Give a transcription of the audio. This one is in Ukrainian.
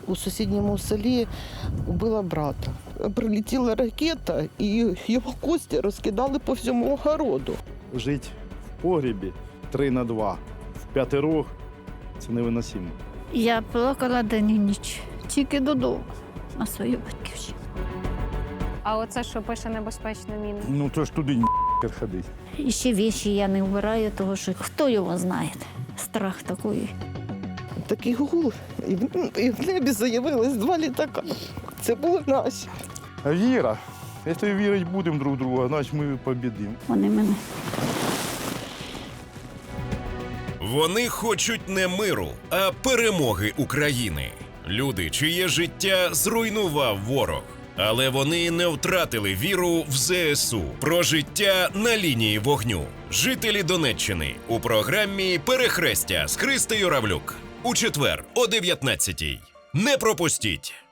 У сусідньому селі вбила брата. Прилетіла ракета і його кості розкидали по всьому огороду. Жити в погрібі 3х2 в п'ятирох – це невиносимо. Я плакала день і ніч, тільки додому, на свою батьківщину. А оце, що пише небезпечна міна? Ну то ж туди ходить. І ще віші я не вбираю, тому що хто його знає, страх такий. Такий гул, і в небі заявилось 2 літака. Це були наші. Віра. Якщо вірити будемо друг друга, значить ми побідимо. Вони мене. Вони хочуть не миру, а перемоги України. Люди, чиє життя зруйнував ворог. Але вони не втратили віру в ЗСУ. Про життя на лінії вогню. Жителі Донеччини у програмі «Перехрестя» з Христею Равлюк. У четвер о 19-й. Не пропустіть!